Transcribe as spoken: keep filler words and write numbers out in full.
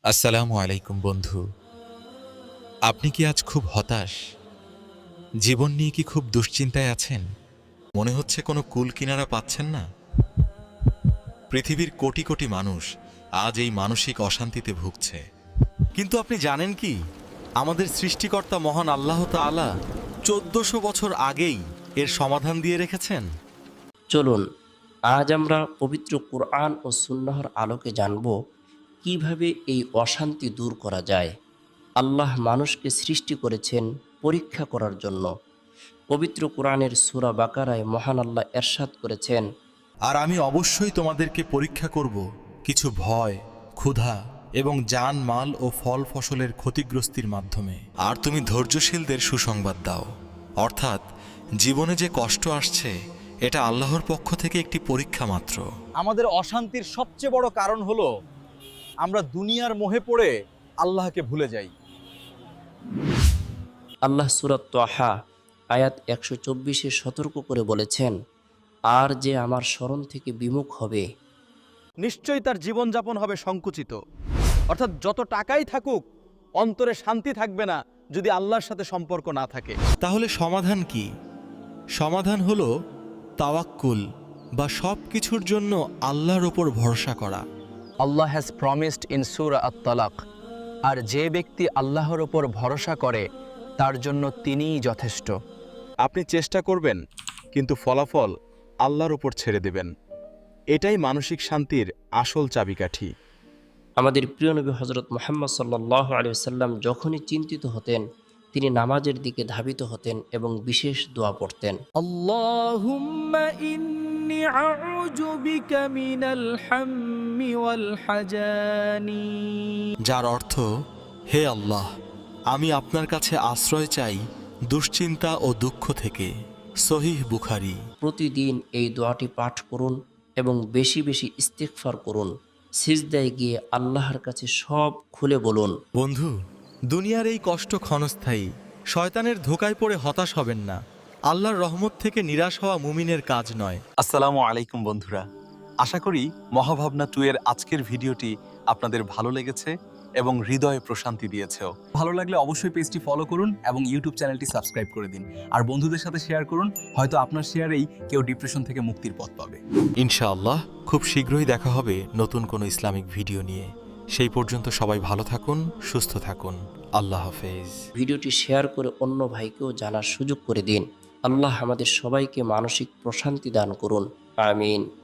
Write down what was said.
আসসালামু আলাইকুম বন্ধু। আপনি কি আজ খুব হতাশ? জীবন নিয়ে কি খুব দুশ্চিন্তায় আছেন? মনে হচ্ছে কোনো কুল কিনারা পাচ্ছেন না? পৃথিবীর কোটি কোটি মানুষ আজ এই মানসিক অশান্তিতে ভুগছে। কিন্তু আপনি জানেন কি, আমাদের সৃষ্টিকর্তা মহান আল্লাহ তাআলা চোদ্দশো বছর আগেই এর সমাধান দিয়ে রেখেছেন। চলুন আজ আমরা পবিত্র কোরআন ও সুন্নাহর আলোকে জানব কিভাবে এই অশান্তি দূর করা যায়। আল্লাহ মানুষকে সৃষ্টি করেছেন পরীক্ষা করার জন্য। পবিত্র কোরআনের সূরা বাকারায় মহান আল্লাহ এরশাদ করেছেন, আর আমি অবশ্যই তোমাদেরকে পরীক্ষা করব কিছু ভয়, ক্ষুধা এবং জান মাল ও ফল ফসলের ক্ষতিগ্রস্তির মাধ্যমে। আর তুমি ধৈর্যশীলদের সুসংবাদ দাও। অর্থাৎ জীবনে যে কষ্ট আসছে এটা আল্লাহর পক্ষ থেকে একটি পরীক্ষা মাত্র। আমাদের অশান্তির সবচেয়ে বড় কারণ হলো আমরা দুনিয়ার মোহে পড়ে আল্লাহকে ভুলে যাই। আল্লাহ সূরা তাহা আয়াত একশো চব্বিশে সতর্ক করে বলেছেন, আর যে আমার স্মরণ থেকে বিমুখ হবে নিশ্চয়ই তার জীবনযাপন হবে সংকুচিত। অর্থাৎ যত টাকাই থাকুক, অন্তরে শান্তি থাকবে না যদি আল্লাহর সাথে সম্পর্ক না থাকে। তাহলে সমাধান কি? সমাধান হলো তাওয়াক্কুল বা সব কিছুর জন্য আল্লাহর ওপর ভরসা করা। Allah has promised in Surah At-Talaq, আর যে ব্যক্তি আল্লাহর ওপর ভরসা করে তার জন্য তিনিই যথেষ্ট। আপনি চেষ্টা করবেন, কিন্তু ফলাফল আল্লাহর উপর ছেড়ে দেবেন। এটাই মানসিক শান্তির আসল চাবিকাঠি। আমাদের প্রিয় নবী হজরত মুহাম্মদ সাল্লাল্লাহু আলাইহি ওয়াসাল্লাম যখনই চিন্তিত হতেন তিনি নামাজের দিকে ধাবিত হতেন এবং বিশেষ দোয়া পড়তেন। আল্লাহুম্মা ইন্নী আউযু বিকা মিনাল হাম্মি ওয়াল হাজানি। যার অর্থ, হে আল্লাহ, আমি আপনার কাছে আশ্রয় চাই দুশ্চিন্তা ও দুঃখ থেকে। সহিহ বুখারী। প্রতিদিন এই দোয়াটি পাঠ করুন এবং বেশি বেশি ইস্তিগফার করুন। সিজদায় গিয়ে আল্লাহর কাছে সব খুলে বলুন। বন্ধু, দুনিয়ার এই কষ্ট ক্ষণস্থায়ী। শয়তানের ধোকায় পড়ে হতাশ হবেন না। আল্লাহর রহমত থেকে নিরাশ হওয়া মুমিনের কাজ নয়। আসসালামু আলাইকুম বন্ধুরা, আশা করি মহাভাবনা টু এর আজকের ভিডিওটি আপনাদের ভালো লেগেছে এবং হৃদয়ে প্রশান্তি দিয়েছেও। ভালো লাগলে অবশ্যই পেজটি ফলো করুন এবং ইউটিউব চ্যানেলটি সাবস্ক্রাইব করে দিন। আর বন্ধুদের সাথে শেয়ার করুন, হয়তো আপনার শেয়ারেই কেউ ডিপ্রেশন থেকে মুক্তির পথ পাবে। ইনশাআল্লাহ খুব শীঘ্রই দেখা হবে নতুন কোনো ইসলামিক ভিডিও নিয়ে। সেই পর্যন্ত সবাই ভালো থাকুন, সুস্থ থাকুন। আল্লাহ হাফেজ। ভিডিওটি শেয়ার করে অন্য ভাইকেও জানার সুযোগ করে দিন। আল্লাহ আমাদের সবাইকে মানসিক প্রশান্তি দান করুন। আমিন।